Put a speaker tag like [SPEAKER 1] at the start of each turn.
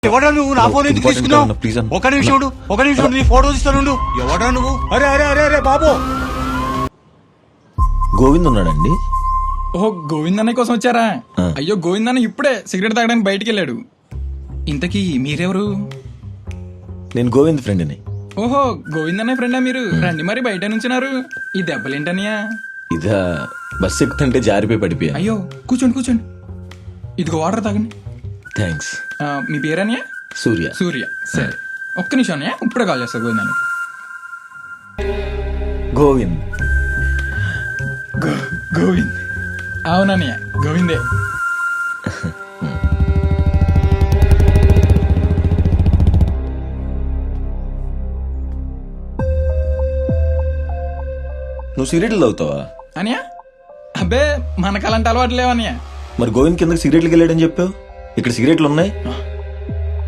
[SPEAKER 1] ఎవడా నువ్వు నా ఫోన్ ఎందుకు తీసుకున్నావు? ఒక నిమిషం ఉండు, ఒక నిమిషం ఉండు, నీ ఫోటో తీస్తాను. ఎవడా నువ్వు? అరే అరే అరే అరే బాబు,
[SPEAKER 2] గోవింద్ ఉన్నాడండి?
[SPEAKER 3] ఓహో, గోవిందన్న కోసం వచ్చారా? అయ్యో, గోవిందన్న ఇప్పుడే సిగరెట్ తాగడానికి బయటికి వెళ్ళాడు. ఇంతకీ మీరెవరు?
[SPEAKER 2] నేను గోవింద్ ఫ్రెండ్ని.
[SPEAKER 3] ఓహో, గోవిందన్న ఫ్రెండా మీరు? రండి మరి, బయట నుంచున్నారు. ఈ దెబ్బలేంటనియా?
[SPEAKER 2] ఇదా బస్ ఎక్కుతుంటే జారిపోయి పడిపోయా.
[SPEAKER 3] అయ్యో, కూర్చోండి కూర్చోండి, ఇదిగో వాటర్ తాగండి.
[SPEAKER 2] థ్యాంక్స్.
[SPEAKER 3] మీ పేరనియా?
[SPEAKER 2] సూర్య.
[SPEAKER 3] సూర్య. సరే, ఒక్క నిమిషం అన్నయ్య, ఇప్పుడే కాల్ చేస్తా గోవిందన్న.
[SPEAKER 2] గోవింద్.
[SPEAKER 3] గోవింద్ అవునన్నయ్య, గోవిందే.
[SPEAKER 2] నువ్వు సిగరెట్లు తాగుతావా?
[SPEAKER 3] అనియా, అబ్బే మనకు అలాంటి అలవాటు లేవన్నయ్య.
[SPEAKER 2] మరి గోవింద్ కిందకి సిగరెట్లకి వెళ్ళాడని చెప్పావు. ఇక్కడ సిగరెట్లు ఉన్నాయి.